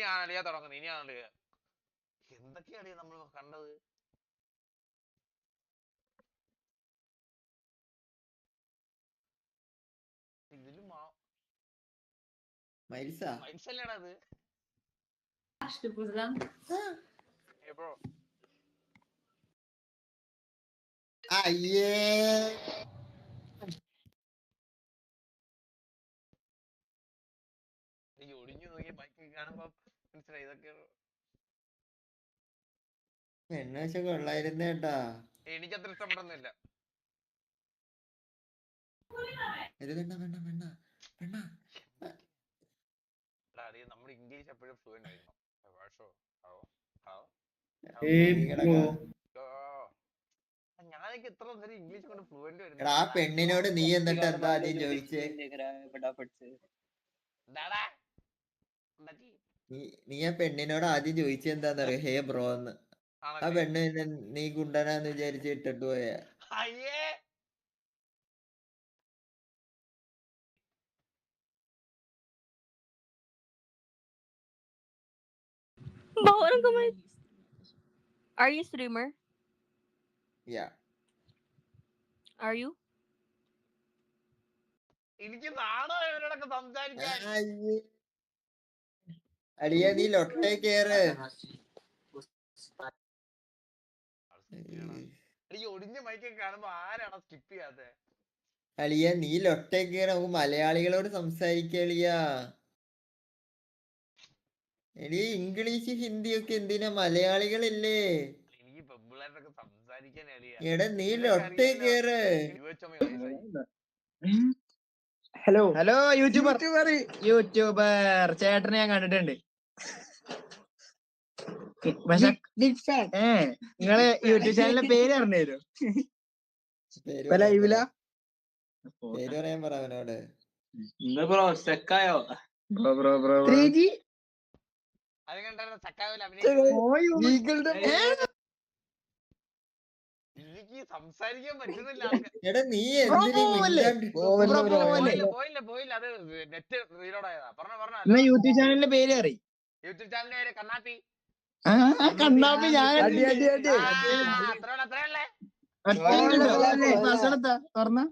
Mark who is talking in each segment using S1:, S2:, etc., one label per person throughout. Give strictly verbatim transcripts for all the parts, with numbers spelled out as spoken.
S1: ഇനിയാണ് അളിയാ തുടങ്ങുന്നത്. ഇനിയാണ് അളിയ എന്തൊക്കെയാണ് നമ്മൾ കണ്ടത്. ഇതിലും മൈൽസല്ലേടാ അത്.
S2: അയ്യേ
S1: ഒടിഞ്ഞു നോക്കിയ ബൈക്ക് കാണുമ്പോ മനസ്സിലായി ഇതൊക്കെ
S2: പെണ്ണാശ കൊള്ളായിരുന്നേട്ടാ.
S1: എനിക്കത്ര ഇഷ്ടപ്പെടുന്നില്ല. നമ്മുടെ ഇംഗ്ലീഷ് എപ്പോഴും ഫ്ലുവന്റ് ആയിരിക്കണം. ഞാനൊക്കെ എത്ര നേരം ഇംഗ്ലീഷ് കൊണ്ട് ഫ്ലുവന്റ് വരുന്നത്.
S2: ആ പെണ്ണിനോട് നീ എന്നിട്ട് എന്താ ആദ്യം ചോദിച്ചേ? നീ ആ പെണ്ണിനോട് ആദ്യം ചോദിച്ചെന്താന്നറിയോ? ഹേ ബ്രോ എന്ന്. ആ പെണ്ണ് നീ ഗുണ്ടനാന്ന് വിചാരിച്ച് ഇട്ടിട്ട് പോയാ.
S3: Are you streamer?
S2: Yeah.
S3: Are you?
S1: എനിക്ക് നാണോ ഇവരോടൊക്കെ സംസാരിക്കാൻ.
S2: അളിയ നീ ലൊട്ടേ കേറ്.
S1: ഒടിഞ്ഞ മൈക്കൊക്കെ കാണുമ്പോ ആരാണ് സ്കിപ്പ് ചെയ്യാതെ?
S2: അളിയ നീ ലൊട്ടേ കേറ്. നമുക്ക് മലയാളികളോട് സംസാരിക്കളിയാ. എളിയ ഇംഗ്ലീഷ് ഹിന്ദി ഒക്കെ എന്തിനാ? മലയാളികളില്ലേ?
S1: എനിക്ക് പെമ്പിള്ളേരൊക്കെ സംസാരിക്കാൻ
S2: എടാ നീ ലൊട്ടേ കേറ്.
S4: ഹലോ ഹലോ യൂട്യൂബർ യൂട്യൂബർ ചേട്ടനെ ഞാൻ കണ്ടിട്ടുണ്ട്. പക്ഷെ ഏ നിങ്ങളെ യൂട്യൂബ് ചാനലിന്റെ പേര് അറിഞ്ഞു ലൈവില
S2: പേര് പറയാൻ പറ അവനോട്.
S4: ബ്രോ സ്റ്റക്കായോ? Bro bro bro three G
S1: എനിക്ക് സംസാരിക്കാൻ പറ്റുന്നില്ല.
S2: എടാ നീ
S1: പോയില്ല പോയില്ല അത് നെറ്റ് റീലോഡ് ആയതാ. പറഞ്ഞോ പറഞ്ഞോ.
S4: യൂട്യൂബ് ചാനലിന്റെ പേര് അറിയും.
S1: യൂട്യൂബ് ചാനലിന്റെ പേര് കണ്ണാപ്പി.
S4: കണ്ണാപ്പി ഞാൻ തുറന്ന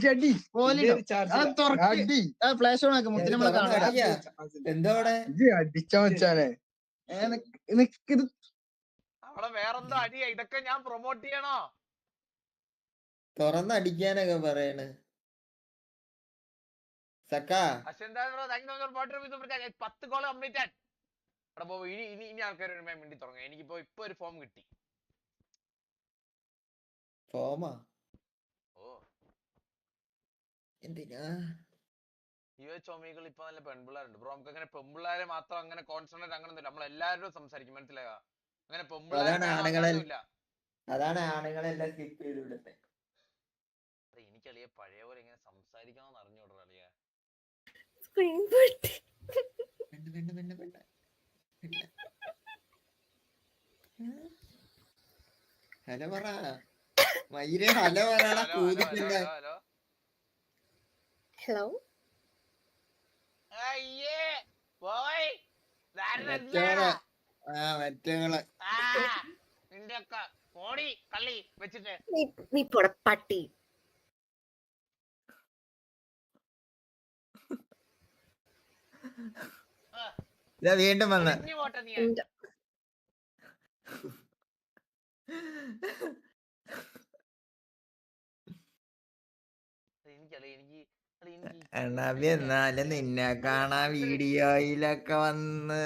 S4: ഫ്ലാഷ് ഓൺ ആക്കും.
S2: എന്താ
S4: അടിച്ചാ വെച്ചാലേ ഇത്
S1: അവിടെ വേറെന്തോ അടിയാ. ഇതൊക്കെ ഞാൻ പ്രൊമോട്ട് ചെയ്യണോ?
S2: തുറന്നടിക്കാനൊക്കെ പറയണ്.
S1: പത്ത് കോള് കംപ്ലീറ്റ് ആയി. ഇനി ഇനി ഇനി ആൾക്കാർ വേണ്ടി തുടങ്ങും. എനിക്കിപ്പോ ഇപ്പൊ ഒരു ഫോം കിട്ടി.
S2: ഫോമാ?
S1: ഓ
S2: എന്തിനാ?
S1: യുവ ചോമികൾ ഇപ്പൊ നല്ല പെൺപിള്ളേരുണ്ട് ബ്രോ. നമുക്ക് അങ്ങനെ പെൺപിള്ളേരെ മാത്രം അങ്ങനെ കോൺസെൻട്രേറ്റ് അങ്ങനെ ഒന്നുമില്ല. നമ്മൾ എല്ലാവരോടും സംസാരിക്കും. മനസ്സിലായോ? അങ്ങനെ പെൺപിള്ളേരെ
S2: അതാണ് ആണുങ്ങളെല്ലാം സ്കിപ്പ് ചെയ്ത് വിടുന്നത്.
S1: എനിക്കളിയ പഴയ പോലെ ഇങ്ങനെ സംസാരിക്കണമെന്ന് അറിഞ്ഞോടാ അളിയ.
S2: ഹലോ പറ മയില്. ഹലോ പറയണ കൂതിപ്പില്ല.
S3: Hello.
S1: അയ്യേ പോയി
S2: മറ്റോള്. ആ മറ്റോള്
S1: നിന്റെ ഒക്കെ കോടി കള്ളി വെച്ചിട്ട്
S3: നീ പോട പട്ടി.
S2: വീണ്ടും വന്ന് എണ്ണാബി എന്നാലും നിന്നെ കാണാ വീഡിയോയിലൊക്കെ വന്ന്.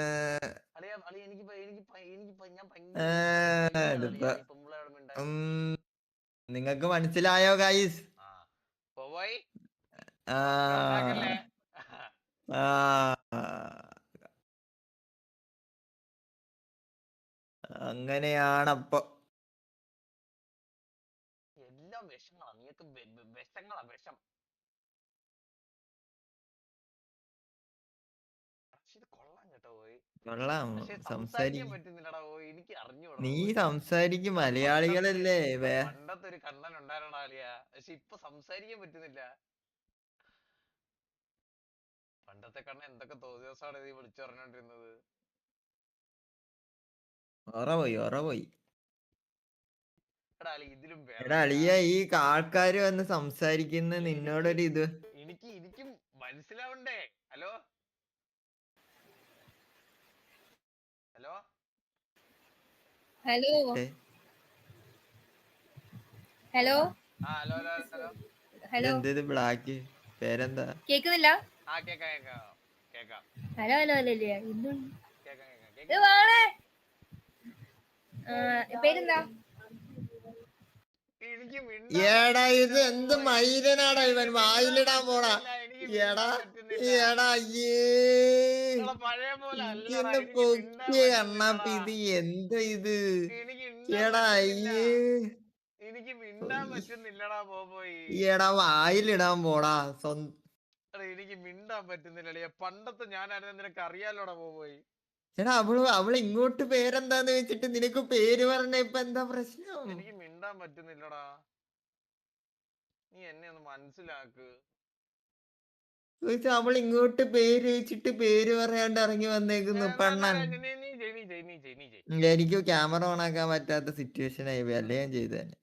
S2: നിങ്ങക്ക് മനസ്സിലായോ ഗൈസ്? അങ്ങനെയാണപ്പൊ.
S1: എല്ലാം വിഷങ്ങളാ. നീയൊക്കെ വിഷങ്ങളാ വിഷം. കൊള്ളാം കേട്ടോ പോയി.
S2: കൊള്ളാം.
S1: സംസാരിക്കാൻ പറ്റുന്നില്ലടാ പോയി. എനിക്ക് അറിഞ്ഞൂടാ.
S2: നീ സംസാരിക്കും. മലയാളികളല്ലേ?
S1: പണ്ടത്തെ ഒരു കണ്ണൻ ഉണ്ടായിരുന്നാ അളിയ. പക്ഷെ ഇപ്പൊ സംസാരിക്കാൻ പറ്റുന്നില്ല. പണ്ടത്തെ കണ്ണൻ എന്തൊക്കെ തോന്നിയ ദിവസമാണ് നീ വിളിച്ചു പറഞ്ഞോണ്ടിരുന്നത്.
S2: ഒറ പോയി ഒറ പോയി
S1: എടാ അളി ഇതിലും
S2: എടാ
S1: വേറെ
S2: അളിയ ഈ ആൾക്കാര് വന്ന് സംസാരിക്കുന്ന നിന്നോടൊരു ഇത്
S1: എനിക്ക് എനിക്കും മനസ്സിലാവണ്ടേ. ഹലോ ഹലോ
S3: ഹലോ
S2: ഏ,
S3: ഹലോ
S1: ആ ഹലോ ഹലോ ഹലോ
S3: ഹലോ
S2: ഇതെന്തത് ബ്ലാക്ക് പേരെന്താ?
S3: കേക്കുന്നില്ല?
S1: ആ കേക്കാം കേക്കാം കേക്കാം
S3: ഹലോ ഹലോ അല്ലേ എന്തുണ്ട്
S1: കേക്കാം കേക്കാം
S3: ഇത്
S1: കേക്കാം
S3: വാണേ പേരെന്താ?
S1: എനിക്ക്
S2: എടാ ഇത് എന്ത് മൈരനാടാ ഇവൻ വായിലിടാൻ പോടാ. എടാ എടാ അയ്യേ
S1: പഴയ പോലെ അല്ലടാ
S2: ഇന്ന്
S1: എനിക്ക് മിണ്ടാൻ
S2: പൊക്കിയ
S1: പറ്റുന്നില്ലടാ.
S2: കണ്ണാപ്പി ഇത് എന്താ ഇത്?
S1: എനിക്ക് മിണ്ടാൻ
S2: എടാ
S1: പറ്റുന്നില്ല.
S2: അയ്യേ
S1: എനിക്ക് മിണ്ടാൻ പറ്റുന്നില്ലടാ പോയി.
S2: എടാ വായിലിടാൻ പോടാ. സ്വന്തം
S1: എടാ എനിക്ക് മിണ്ടാൻ പറ്റുന്നില്ലടേ. പണ്ടത്തെ ഞാനായിരുന്നു നിനക്ക് അറിയാലോടാ പോയി.
S2: എടാ അവള് അവള് ഇങ്ങോട്ട് പേരെന്താന്ന് വെച്ചിട്ട് നിനക്ക് പേര് പറഞ്ഞ ഇപ്പൊ എന്താ പ്രശ്നം?
S1: എനിക്ക് മിണ്ടാൻ പറ്റുന്നില്ലടാ. നീ എന്നെ ഒന്ന് മനസ്സിലാക്ക്.
S2: ചോദിച്ചാ അവൾ ഇങ്ങോട്ട് പേര് വെച്ചിട്ട് പേര് പറയാണ്ട് ഇറങ്ങി വന്നേക്കുന്നു പെണ്ണൻ.
S1: നീ ചെയ് നീ ചെയ് നീ ചെയ് നീ ചെയ് നീ ചെയ്
S2: എനിക്ക് ക്യാമറ ഓൺ ആക്കാൻ പറ്റാത്ത സിറ്റുവേഷൻ ആയി പോയി. അല്ലേ ഞാൻ ചെയ്തു തന്നെ.